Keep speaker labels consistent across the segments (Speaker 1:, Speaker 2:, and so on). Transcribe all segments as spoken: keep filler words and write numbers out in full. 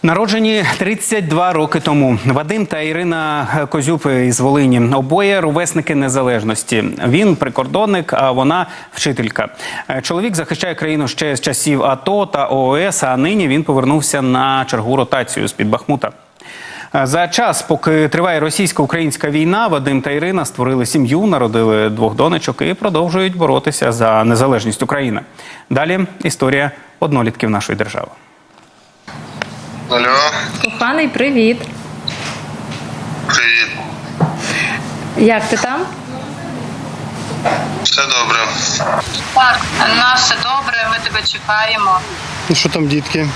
Speaker 1: Народжені тридцять два роки тому. Вадим та Ірина Козюб із Волині. Обоє ровесники незалежності. Він прикордонник, а вона вчителька. Чоловік захищає країну ще з часів АТО та ООС, а нині він повернувся на чергову ротацію з-під Бахмута. За час, поки триває російсько-українська війна, Вадим та Ірина створили сім'ю, народили двох донечок і продовжують боротися за незалежність України. Далі історія однолітків нашої держави.
Speaker 2: Алло.
Speaker 3: Коханий, привіт.
Speaker 2: Привіт.
Speaker 3: Як ти там?
Speaker 2: Все добре.
Speaker 4: Так, у нас все добре, ми тебе чекаємо.
Speaker 2: Ну що там, дітки?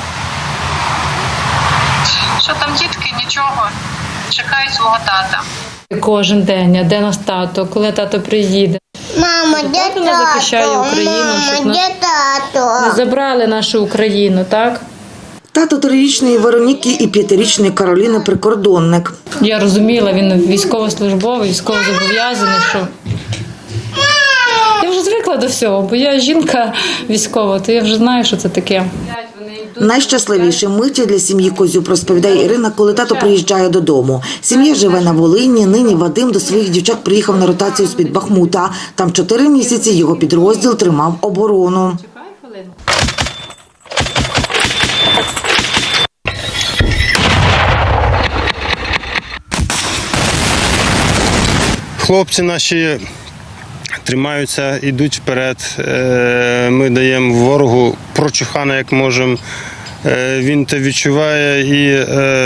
Speaker 4: Що там, дітки? Нічого. Чекають свого тата.
Speaker 3: Кожен день, а де наш тато, коли тато приїде.
Speaker 5: Мама, де
Speaker 3: Тато нас захищає
Speaker 5: тато?
Speaker 3: Україну, щоб
Speaker 5: Мама,
Speaker 3: нас
Speaker 5: де тато?
Speaker 3: не забрали нашу Україну, так?
Speaker 6: Тато трирічної Вероніки і п'ятирічної Кароліни – прикордонник.
Speaker 3: Я розуміла, він військовослужбовий, військовозобов'язаний, що... Я вже звикла до всього, бо я жінка військова, то я вже знаю, що це таке.
Speaker 6: Найщасливіші миті для сім'ї Козюб, розповідає Ірина, коли тато приїжджає додому. Сім'я живе на Волині, нині Вадим до своїх дівчат приїхав на ротацію з-під Бахмута. Там чотири місяці його підрозділ тримав оборону.
Speaker 7: Хлопці наші тримаються, йдуть вперед. Ми даємо ворогу прочухана, як можемо. Він те відчуває і,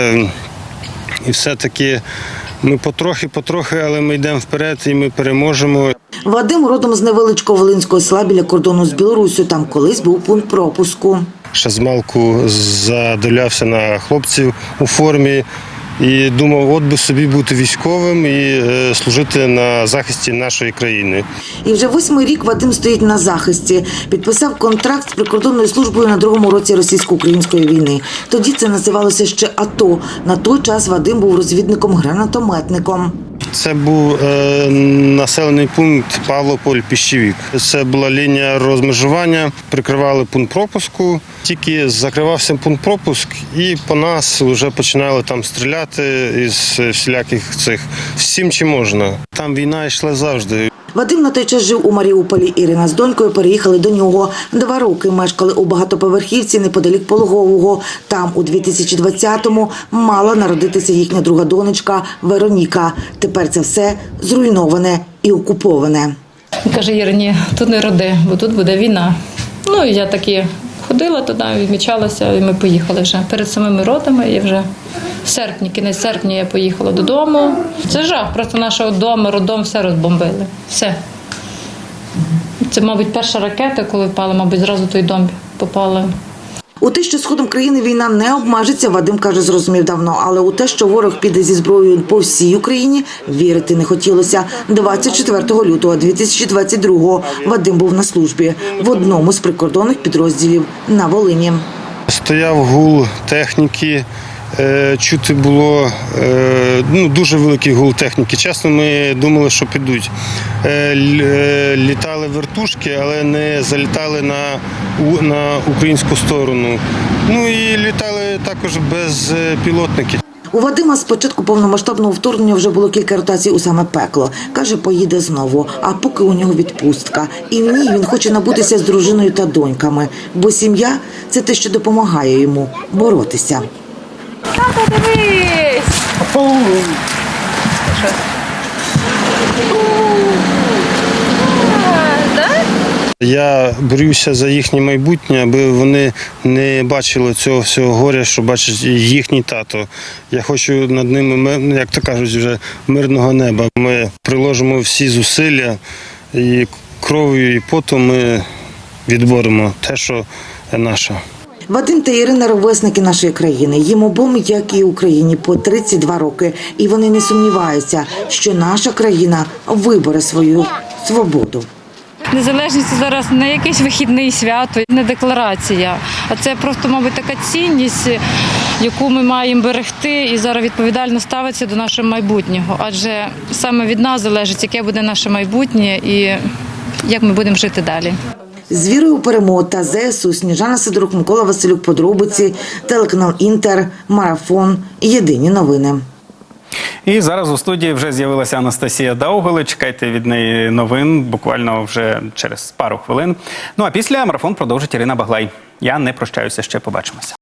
Speaker 7: і все-таки ми потрохи-потрохи, але ми йдемо вперед і ми переможемо.
Speaker 6: Вадим родом з невеличкого волинського села біля кордону з Білоруссю. Там колись був пункт пропуску.
Speaker 7: Ще змалку задивлявся на хлопців у формі. І думав, от би собі бути військовим і служити на захисті нашої країни.
Speaker 6: І вже восьмий рік Вадим стоїть на захисті. Підписав контракт з прикордонною службою на другому році російсько-української війни. Тоді це називалося ще АТО. На той час Вадим був розвідником-гранатометником.
Speaker 7: Це був е, населений пункт Павлополь-Піщевік. Це була лінія розмежування, прикривали пункт пропуску. Тільки закривався пункт пропуск і по нас вже починали там стріляти із всіляких цих всім, чи можна. Там війна йшла завжди.
Speaker 6: Вадим на той час жив у Маріуполі. Ірина з донькою переїхали до нього. Два роки мешкали у багатоповерхівці неподалік Пологового. Там у дві тисячі двадцятому мала народитися їхня друга донечка Вероніка. Тепер це все зруйноване і окуповане.
Speaker 3: Він каже, Ірині, тут не роди, бо тут буде війна. Ну, і я таки ходила туди, відмічалася, і ми поїхали вже. Перед самими родами я вже в серпні, кінець серпня я поїхала додому. Це жах, просто нашого дому, роддом все розбомбили. Все. Це, мабуть, перша ракета, коли впала, мабуть, зразу той дом попала.
Speaker 6: У те, що сходом країни війна не обмежиться, Вадим, каже, зрозумів давно. Але у те, що ворог піде зі зброєю по всій Україні, вірити не хотілося. двадцять четвертого лютого дві тисячі двадцять другого Вадим був на службі в одному з прикордонних підрозділів на Волині.
Speaker 7: Стояв гул техніки, чути було ну, дуже великий гул техніки. Чесно, ми думали, що підуть. Літали вертушки, але не залітали на, на українську сторону. Ну і літали також безпілотники.
Speaker 6: У Вадима з початку повномасштабного вторгнення вже було кілька ротацій у саме пекло. Каже, поїде знову, а поки у нього відпустка. І в ній він хоче набутися з дружиною та доньками. Бо сім'я – це те, що допомагає йому боротися.
Speaker 3: Тато, дивись!
Speaker 7: Я борюся за їхнє майбутнє, аби вони не бачили цього всього горя, що бачить їхній тато. Я хочу над ними, як то кажуть, вже мирного неба. Ми приложимо всі зусилля і кров'ю, і потом ми відборемо те, що наше.
Speaker 6: Вадим та Ірина – ровесники нашої країни. Їм обом, як і Україні, по тридцять два роки. І вони не сумніваються, що наша країна вибере свою свободу.
Speaker 3: Незалежність – це зараз не якесь вихідне свято, не декларація, а це просто, мабуть, така цінність, яку ми маємо берегти і зараз відповідально ставитися до нашого майбутнього. Адже саме від нас залежить, яке буде наше майбутнє і як ми будемо жити далі.
Speaker 6: З вірою у перемогу та ЗСУ. Сніжана Сидорук, Микола Василюк, подробиці, телеканал Інтер, Марафон, Єдині новини.
Speaker 1: І зараз у студії вже з'явилася Анастасія Даугали. Чекайте від неї новин буквально вже через пару хвилин. Ну а після марафон продовжить Ірина Баглай. Я не прощаюся, ще побачимося.